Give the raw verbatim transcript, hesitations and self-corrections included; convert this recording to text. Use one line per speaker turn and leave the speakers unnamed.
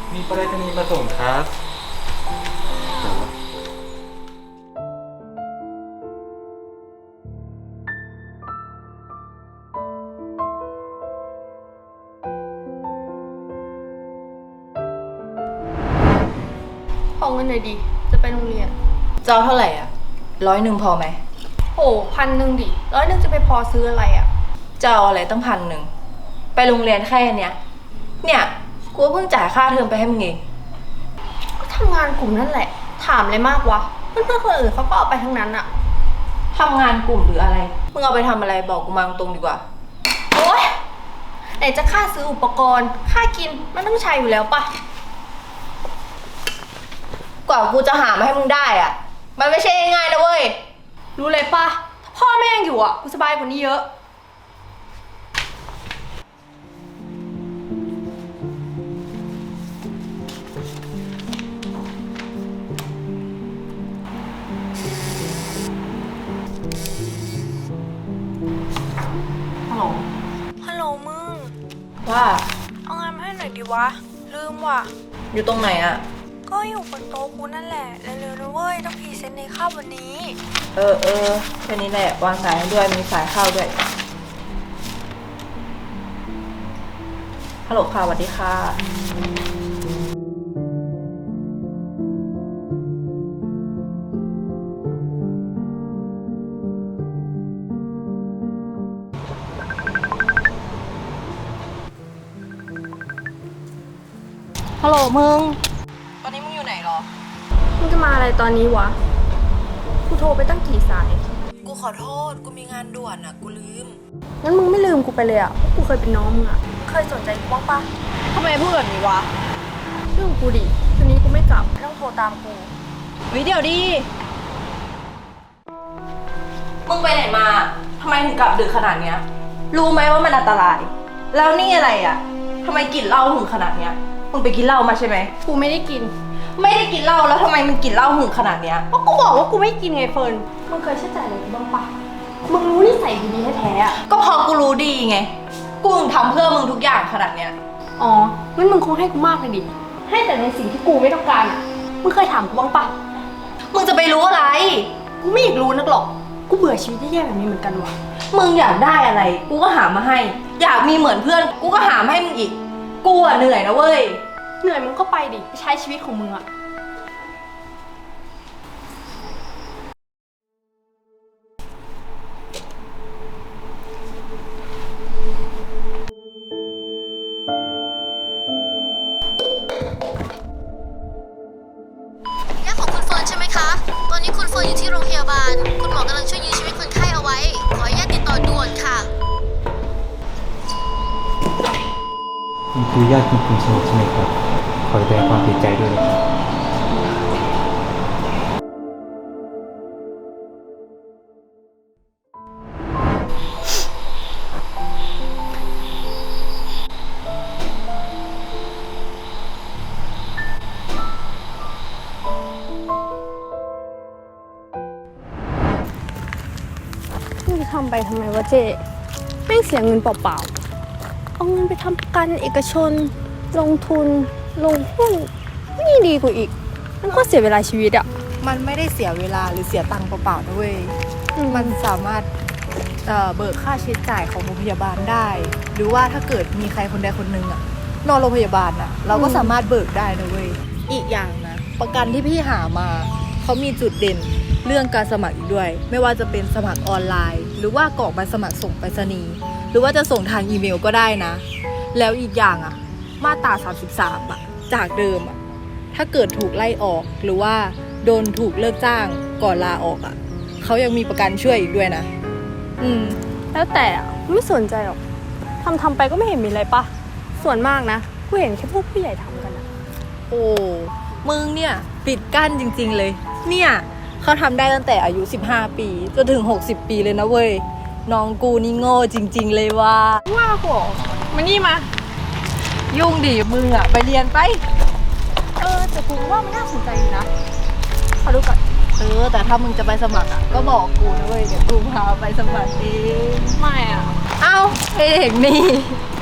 มีไปรษณีย์มาส่งครับ
ขอเงินหน่อยดิ จะไปโรงเรียน
จะเอาเท่าไหร่อ่ะร้อยหนึ่งพอไหม
โอ้พันหนึ่งดิร้อยหนึ่งจะไปพอซื้ออะไรอ่ะ
จะเอาอะไรตั้งพันหนึ่งไปโรงเรียนแค่เนี้ยเนี่ยกูเพิ่งจ่ายค่าเทอมไปให้มึงเอง
ก็ทำงานกลุ่มนั่นแหละ ถามอะไรมากวะ เพื่อนๆคนอื่นเขาก็เอาไปทั้งนั้นอ่ะ
ทำงานกลุ่มหรืออะไรมึงเอาไปทำอะไรบอกกูมาตรงๆดีกว่า
โอ๊ยไหนจะค่าซื้ออุปกรณ์ ค่ากินมันต้องใช้อยู่แล้วปะ
กว่ากูจะหามาให้มึงได้อ่ะมันไม่ใช่ง่ายๆนะเว้ย
รู้เลยปะถ้าพ่อแม่ยังอยู่อ่ะกูสบายกว่านี้เยอะ
ฮัลโหล
ฮัลโหลมึง
ว่า
เอางานมาให้หน่อยดิวะ ลืมว่ะ
อยู่ตรงไหนอ่ะ
ก็อยู่บนโต๊ะกูนั่นแหละ เร็วๆนะเว้ย ต้องพรีเซนต์ในคาบวันนี้
เออเออแค่นี้แหละวางสายให้ด้วยมีสายเข้าด้วยฮัลโหลค่ะสวัสดีค่ะฮัลโหลมึงตอนนี้มึงอยู่ไหนหรอ
มึงจะมาอะไรตอนนี้วะ กูโทรไปตั้งกี่สาย
กูขอโทษกูมีงานด่วนอ่ะกูลืม
งั้นมึงไม่ลืมกูไปเลยอ่ะเพราะกูเคยเป็นน้องมึงอ่ะ เคยสนใจกูบ้างปะ
ทำไมพูดแบบนี้วะ
เรื่องกูดิคืนนี้กูไม่กลับไม่ต้องโทรตามกู
วิเดี๋ยวดิมึงไปไหนมาทำไมถึงกลับดึกขนาดเนี้ยรู้ไหมว่ามันอันตรายแล้วนี่อะไรอ่ะทำไมกลิ่นเหล้าหึงขนาดเนี้ยมึงไปกินเหล้ามาใช่ไหม
กูไม่ได้กิน
ไม่ได้กินเหล้าแล้วทำไมมึงกินเหล้าหึงขนาดเนี้ย
ก็กูบอกว่ากูไม่กินไงเฟิร์นมึงเคยเชื่อใจอะไรกูบ้างปะมึงรู้นิสัยดีๆแท้ๆอ่ะ
ก็พอกูรู้ดีไงกูถึงทำเพื่อมึงทุกอย่างขนาดเนี้ย
อ๋องั้นมึงคงให้กูมากเลยดิให้แต่ในสิ่งที่กูไม่ต้องการอ่ะมึงเคยถามกูบ้างปะ
มึงจะไปรู้อะไร
กูไม่อยากรู้นักหรอกกูเบื่อชีวิตแย่ๆแบบนี้เหมือนกันว่ะ
มึงอยากได้อะไรกูก็หามาให้อยากมีเหมือนเพื่อนกูก็หามาให้มึงอีกกูอะเหนื่อยนะเว้ย
เหนื่อยมึงก็ไปดิไปใช้ชีวิตของมึงอะ
ญาติของคุณเฟิร์นใช่ไหมคะ ตอนนี้คุณเฟิร์นอยู่ที่โรงพยาบาล คุณหมอกำลังช่วยยื้อชีวิตคนไข้เอาไว้ ขออนุญาตติดต่อด่วนค่ะ
นี่คือญาติคุณคุณสนุกใช่ไหมครับขอแสดงความเสียใจด้วยนะครับ
มึงจะทำไปทำไมวะเจ๊แม่งเสียเงินเปล่าๆเอาเงินไปทำประกันเอกชน ลงทุน ลงหุ้นนี่ดีกว่าอีกมันก็เสียเวลาชีวิตอะ
มันไม่ได้เสียเวลาหรือเสียตังค์เปล่าๆนะเว้ยมันสามารถเอ่อเบิกค่าใช้จ่ายของโรงพยาบาลได้ หรือว่าถ้าเกิดมีใครคนใดคนหนึ่งอะนอนโรงพยาบาลอะเราก็สามารถเบิกได้นะเว้ยอีกอย่างนะประกันที่พี่หามาเขามีจุดเด่นเรื่องการสมัครอีกด้วยไม่ว่าจะเป็นสมัครออนไลน์ หรือว่ากรอกใบสมัครส่งไปรษณีย์หรือว่าจะส่งทางอีเมลก็ได้นะแล้วอีกอย่างอะมาตราสามสิบสามอะจากเดิมอะถ้าเกิดถูกไล่ออกหรือว่าโดนถูกเลิกจ้างก่อนลาออกอะเขายังมีประกันช่วยอีกด้วยนะอืม
แล้วแต่อะไม่สนใจหรอกทำทำไปก็ไม่เห็นมีอะไรปะส่วนมากนะกูเห็นแค่พวกผู้ใหญ่ทำกันอะ
โอ้มึงเนี่ยปิดกั้นจริงๆเลยเนี่ยเขาทำได้ตั้งแต่อายุสิบห้าปีจนถึงหกสิบปีเลยนะเว้ยน้องกูนี่โง่จริงๆเลยว่า
ว่าโหมานี่มา
ยุ่งดิมึงอะไปเรียนไป
เออแต่กูว่ามันน่าสนใจอยู่นะขอดูก่อน
เออแต่ถ้ามึงจะไปสมัครอะก็บอกกูนะเว้ยเดี๋ยวกูพาไปสมัครเอง
ไม่อะ
เอ้าไอ้เด็กนี่